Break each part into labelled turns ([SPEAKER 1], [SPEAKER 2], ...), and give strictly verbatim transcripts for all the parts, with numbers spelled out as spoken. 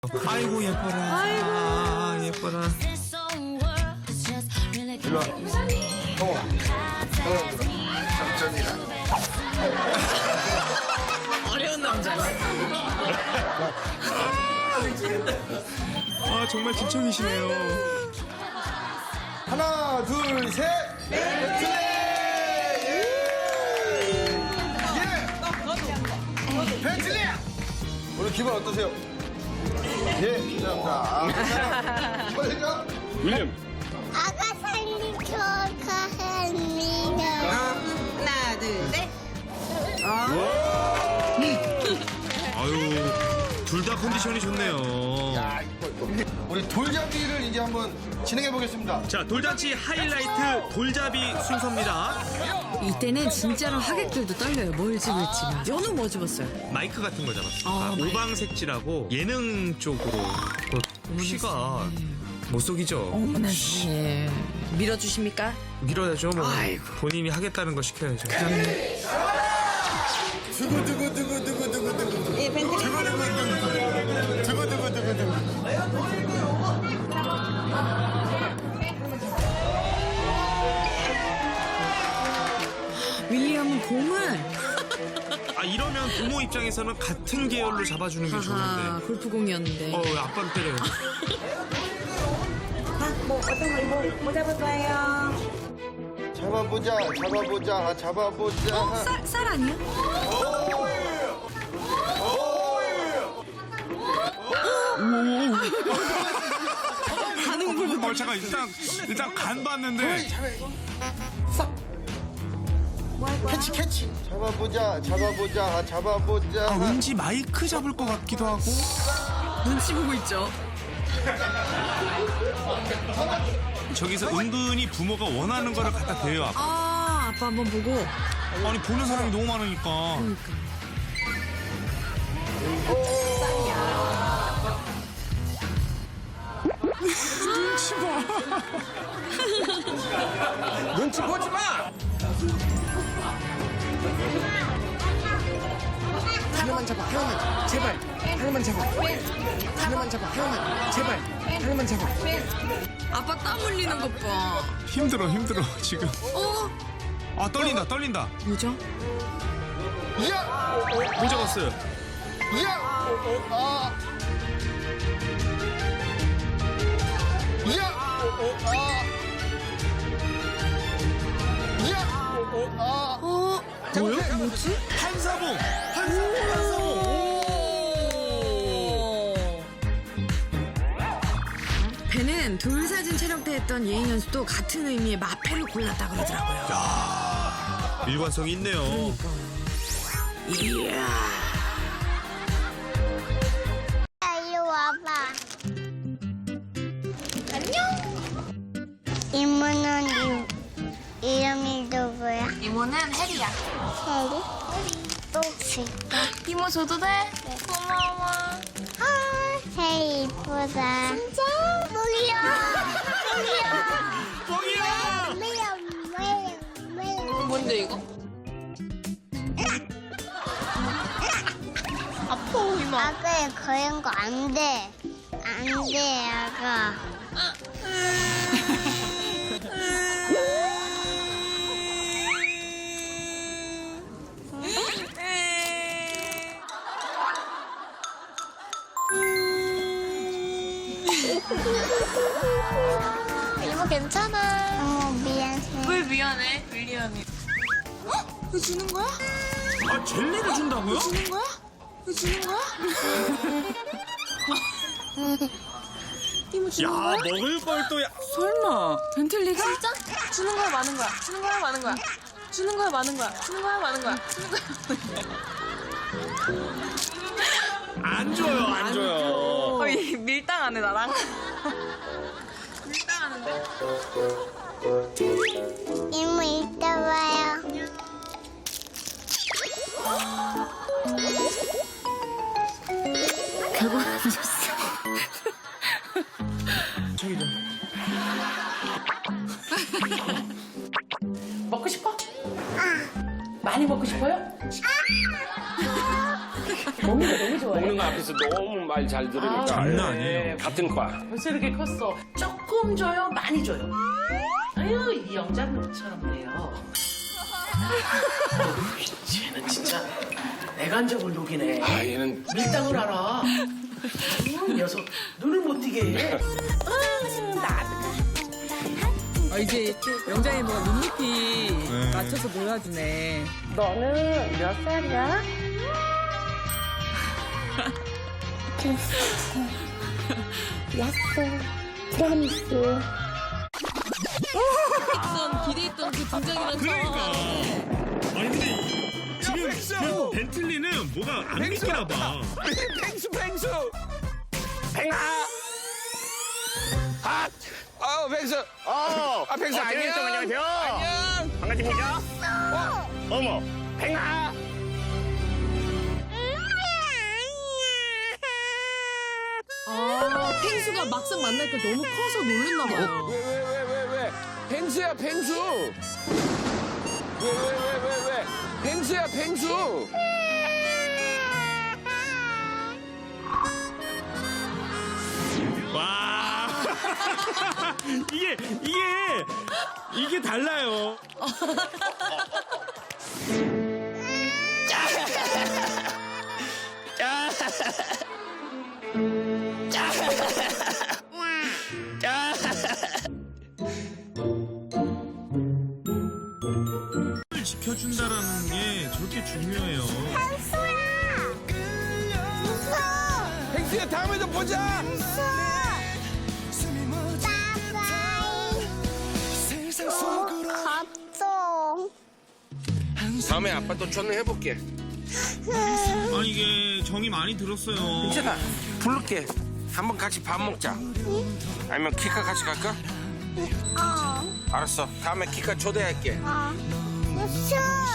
[SPEAKER 1] 아이고 예뻐라. 아이고 아, 예뻐라.
[SPEAKER 2] 일로 와. 어. 삼촌이랑.
[SPEAKER 1] 어려운 남자가. 아 정말 진청이시네요.
[SPEAKER 2] 하나, 둘, 셋. 벤틀리! 예! 벤틀리! 오늘 기분 어떠세요? 예, 감사합니다. 뭐죠?
[SPEAKER 1] 윌리엄.
[SPEAKER 3] 아가 살림 축하합니다.
[SPEAKER 4] 하나, 둘, 셋.
[SPEAKER 1] 아유 둘 다 컨디션이 좋네요.
[SPEAKER 2] 야, 이뻐, 이뻐. 우리 돌잡이를 이제 한번 진행해 보겠습니다.
[SPEAKER 1] 자 돌잔치 하이라이트 돌잡이 순서입니다.
[SPEAKER 4] 이때는 진짜로 하객들도 떨려요. 뭘 집을지. 저는 뭐 집었어요?
[SPEAKER 1] 마이크 같은 거 잡았어.
[SPEAKER 4] 아, 마이크.
[SPEAKER 1] 오방색지라고 예능 쪽으로 그 피가 못 속이죠.
[SPEAKER 4] 어머나 세상에. 밀어주십니까?
[SPEAKER 1] 밀어야죠. 뭐
[SPEAKER 4] 아이고.
[SPEAKER 1] 본인이 하겠다는 거 시켜야죠.
[SPEAKER 2] 두구두구두구두구두구두구.
[SPEAKER 4] 예, 벤틀리.
[SPEAKER 2] 두구두구두구. 두구두구두구두구.
[SPEAKER 4] 윌리엄은 공을.
[SPEAKER 1] 아 이러면 부모 입장에서는 같은 계열로 잡아주는 게
[SPEAKER 4] 아하,
[SPEAKER 1] 좋은데.
[SPEAKER 4] 골프공이었는데.
[SPEAKER 1] 어 왜 아빠를 때려요?
[SPEAKER 4] 뭐, 어떤 거, 뭐, 뭐 잡을 거예요?
[SPEAKER 2] 잡아보자, 잡아보자, 잡아보자.
[SPEAKER 4] 어, 쌀, 쌀 아니야?
[SPEAKER 1] 가는 걸. 어 잠깐 일단 일단 간 봤는데.
[SPEAKER 2] 캐치, 캐치. 잡아보자, 잡아보자, 잡아보자.
[SPEAKER 1] 아 왠지 마이크 잡을 것 같기도 하고.
[SPEAKER 4] 눈치 보고 있죠.
[SPEAKER 1] 저기서 은근히 부모가 원하는 거를 갖다 대요. 아빠.
[SPEAKER 4] 아, 아빠 한번 보고.
[SPEAKER 1] 아니 보는 사람이 너무 많으니까. 눈치 봐.
[SPEAKER 2] 눈치 보지 마!
[SPEAKER 5] 하나만 잡아, 하나만. 제발. 하나만 잡아. 하나만 잡아, 하나만. 제발. 하나만 잡아.
[SPEAKER 4] 아빠 땀 흘리는 것 봐.
[SPEAKER 1] 힘들어 힘들어 지금.
[SPEAKER 4] 어?
[SPEAKER 1] 아 떨린다 떨린다.
[SPEAKER 4] 뭐죠?
[SPEAKER 2] 야!
[SPEAKER 1] 못 잡았어요.
[SPEAKER 2] 야! 아! 야! 아! 야! 아!
[SPEAKER 4] 어?
[SPEAKER 1] 뭐야?
[SPEAKER 4] 뭐지?
[SPEAKER 1] 한사봉. 한사봉 한사봉.
[SPEAKER 4] 배는 둘 사진 촬영 때 했던 예인 연습도 같은 의미의 마패를 골랐다 그러더라고요.
[SPEAKER 1] 일관성이 있네요.
[SPEAKER 4] 이야.
[SPEAKER 3] 야, 이리 와봐. 안녕. 이모는 이, 이름이 누구야?
[SPEAKER 6] 이모는 혜리야.
[SPEAKER 3] 혜리? 또 줄까?
[SPEAKER 6] 이모 줘도 돼? 고마워.
[SPEAKER 3] 아, 혜리 이쁘다. 진짜? 뭐야?
[SPEAKER 1] 뻥이야.
[SPEAKER 3] 뭐야? 뭐야? 뭐야?
[SPEAKER 6] 뭔데 이거? 아파 이모.
[SPEAKER 3] 아가에 그런 거 안 돼. 안 돼, 아가.
[SPEAKER 6] 이모 괜찮아.
[SPEAKER 3] 어머, 미안해.
[SPEAKER 6] 왜 미안해 윌리엄이? 어? 이거 주는 거야?
[SPEAKER 1] 아 젤리를 준다고요?
[SPEAKER 6] 주는 거야? 이거 주는 거야? 이모
[SPEAKER 1] 야
[SPEAKER 6] 주는 거야?
[SPEAKER 1] 먹을 걸 또.
[SPEAKER 4] 설마. 벤틀리가?
[SPEAKER 6] 진짜? 주는 거야 많은 거야? 주는 거야 많은 거야? 주는 거야 많은 거야? 주는 거야 많은 거야? 주는 거야 많은 거야?
[SPEAKER 1] 안 줘요 안 줘요.
[SPEAKER 4] 거의 밀당하네 나랑.
[SPEAKER 6] 밀당하는데?
[SPEAKER 3] 이모, 이따 봐요.
[SPEAKER 4] 결국 안 줬어.
[SPEAKER 1] 저기 좀.
[SPEAKER 5] 먹고 싶어? 많이 먹고 싶어요?
[SPEAKER 7] 먹는 거 너무 좋아해.
[SPEAKER 8] 먹는 거 앞에서 너무 말 잘 들으니까.
[SPEAKER 1] 장난 아니에요.
[SPEAKER 8] 같은 과.
[SPEAKER 7] 벌써 이렇게 컸어. 조금 줘요? 많이 줘요? 아유, 이 영장처럼 돼요. 쟤는 진짜 애간적을 녹이네.
[SPEAKER 8] 아, 얘는
[SPEAKER 7] 밀당을 알아. 음, 녀석 눈을 못 뜨게 해. 음, 나
[SPEAKER 6] 아, 이제 영장이 뭐가 눈높이
[SPEAKER 1] 네.
[SPEAKER 6] 맞춰서 놀아주네.
[SPEAKER 7] 너는 몇 살이야?
[SPEAKER 6] 기대했던, 기대했던 그 등장이라서.
[SPEAKER 1] 그러니까. 아니 근데 지금 그 벤틀리는 뭐가 안 믿기나 봐.
[SPEAKER 8] 펭수 펭수. 펭아. 아, 어 펭수. 어, 아 펭수 안녕. 안녕하세요. 안녕. 반갑습니다. 어, 어머, 펭아.
[SPEAKER 6] 아, 펭수가 막상 만나니까 너무 커서 놀랬나 봐요.
[SPEAKER 8] 왜 왜 왜 왜 왜? 펭수야 펭수. 왜 왜 왜 왜 왜? 펭수야 펭수.
[SPEAKER 1] 와. 이게 이게 이게 달라요. 지켜준다라는 게 저렇게 중요해요.
[SPEAKER 8] 펭수야 다음에도 보자.
[SPEAKER 3] 갑종.
[SPEAKER 8] 다음에 아빠 또 전화해볼게.
[SPEAKER 1] 아니 이게 정이 많이 들었어요.
[SPEAKER 8] 괜찮아. 부를게. 한번 같이 밥 먹자. 아니면 키카 같이 갈까?
[SPEAKER 3] 어.
[SPEAKER 8] 알았어. 다음에 키카 초대할게.
[SPEAKER 3] 어. 부셔.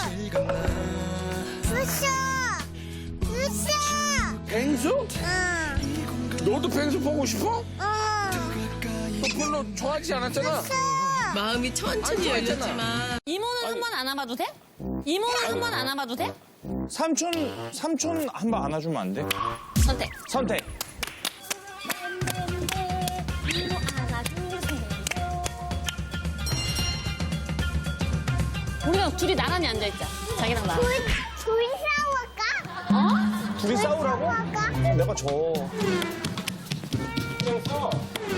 [SPEAKER 3] 부셔. 부셔.
[SPEAKER 8] 펭수?
[SPEAKER 3] 응.
[SPEAKER 8] 너도 펭수 보고 싶어?
[SPEAKER 3] 응.
[SPEAKER 8] 너 별로 좋아하지 않았잖아.
[SPEAKER 6] 마음이 천천히
[SPEAKER 8] 아니,
[SPEAKER 6] 열렸지만.
[SPEAKER 9] 이모는 한 번 안아봐도 돼? 이모는 한 번 안아봐도 돼?
[SPEAKER 10] 삼촌, 삼촌 한 번 안아주면 안 돼?
[SPEAKER 9] 선택.
[SPEAKER 10] 선택.
[SPEAKER 9] 우리가 둘이 나란히 앉아있자. 자기랑 나랑.
[SPEAKER 3] 둘, 둘이 싸울까?
[SPEAKER 9] 어?
[SPEAKER 10] 둘이 싸우라고?
[SPEAKER 3] 싸울까?
[SPEAKER 10] 내가 져.
[SPEAKER 8] 그래서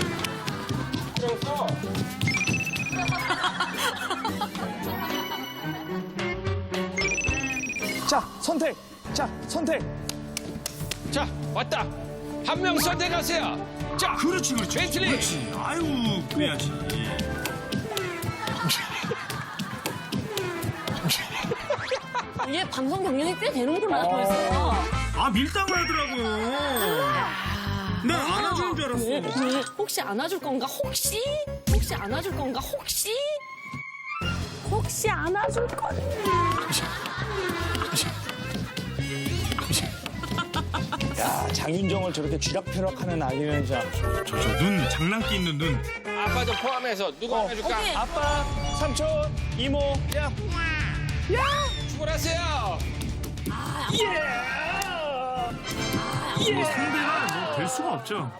[SPEAKER 8] 그래서
[SPEAKER 10] 자, 선택. 자, 선택.
[SPEAKER 8] 자 왔다. 한 명 선택하세요. 자
[SPEAKER 1] 그렇지 그렇지.
[SPEAKER 8] 벤틀리.
[SPEAKER 1] 그렇지. 아유 그래야지.
[SPEAKER 9] 얘 방송 경력이 꽤 되는구나, 벌써.
[SPEAKER 1] 아 밀당을 하더라고요. 난 안아주는 줄 알았어.
[SPEAKER 9] 왜, 왜, 혹시 안아줄 건가? 혹시? 혹시 안아줄 건가? 혹시? 혹시 안아줄 건가?
[SPEAKER 10] 야, 장윤정을 저렇게 쥐락펴락하는 아기는 진짜.
[SPEAKER 1] 저 눈 장난기 있는 눈.
[SPEAKER 8] 아빠도 포함해서 누가 안아줄까?
[SPEAKER 9] 오케이.
[SPEAKER 10] 아빠, 삼촌, 이모, 야.
[SPEAKER 8] 출발하세요.
[SPEAKER 1] 뭐 상대가 뭐 될 수가 없죠.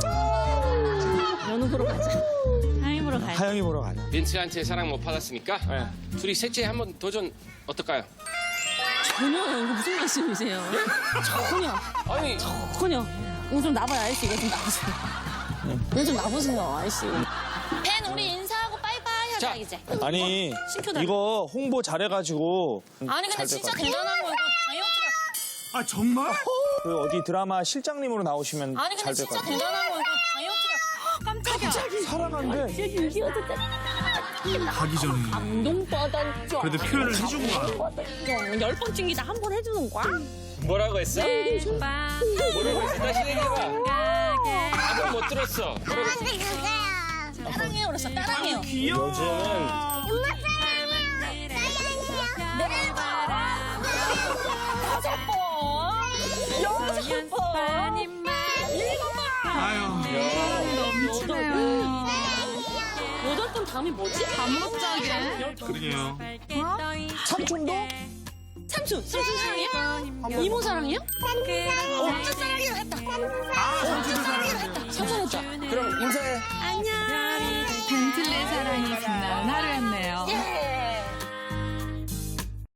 [SPEAKER 9] 연우 보러 가자. 하이 보러 가자.
[SPEAKER 10] 하영이 보러 가자.
[SPEAKER 8] 빈츠한테 사랑 못 받았으니까 둘이 셋째 한번 도전 어떨까요?
[SPEAKER 9] 전혀요. 이거 무슨 말씀이세요? 전혀.
[SPEAKER 8] 아니
[SPEAKER 9] 전혀. 이거 좀 나봐요, 아저씨. 이거 좀 나보세요. 이거 좀 나보세요, 아저씨. 팬, 우리 인사하고 빠이빠이 하자,
[SPEAKER 8] 자.
[SPEAKER 9] 이제.
[SPEAKER 10] 아니,
[SPEAKER 9] 신표다.
[SPEAKER 10] 이거 홍보 잘해가지고.
[SPEAKER 9] 아니, 근데
[SPEAKER 10] 잘될
[SPEAKER 9] 진짜
[SPEAKER 10] 것 같아.
[SPEAKER 9] 대단한 거, 이거 다이어트가.
[SPEAKER 1] 아 정말?
[SPEAKER 10] 그 어디 드라마 실장님으로 나오시면
[SPEAKER 9] 아니, 근데
[SPEAKER 10] 잘 될
[SPEAKER 9] 진짜
[SPEAKER 10] 것 같아.
[SPEAKER 9] 대단한 거, 이거 다이어트가. 깜짝이야.
[SPEAKER 10] 사랑한대.
[SPEAKER 9] 이겨도 돼.
[SPEAKER 1] 가기 전에
[SPEAKER 9] 감동받았죠.
[SPEAKER 1] 그래도 표현을 해준 거야.
[SPEAKER 9] 열 번 찍기다 한 번 해주는 거야?
[SPEAKER 8] 뭐라고 했어? 뭐라고 했어? 다시 얘기해봐. 아까 못 들었어. 뭐라고 했어?
[SPEAKER 3] 근데 그거야.
[SPEAKER 9] 따랑해요, 그랬어. 따랑해요.
[SPEAKER 1] 귀여워.
[SPEAKER 3] 엄마 사랑해요. 사랑해요.
[SPEAKER 9] 다섯 번. 여섯 번. 일곱 번.
[SPEAKER 1] 아유
[SPEAKER 9] 여덟 번. 여덟 번 다음이 뭐지?
[SPEAKER 6] 안 먹자게.
[SPEAKER 1] 그러게요.
[SPEAKER 10] 삼촌도?
[SPEAKER 9] 삼촌, 삼촌 사랑이야? 이모 사랑이야? 어, 삼촌 사랑이야 했다.
[SPEAKER 1] 아, 삼촌도 사랑해요.
[SPEAKER 9] 삼촌 했다.
[SPEAKER 5] 그럼 인사해.
[SPEAKER 9] 안녕.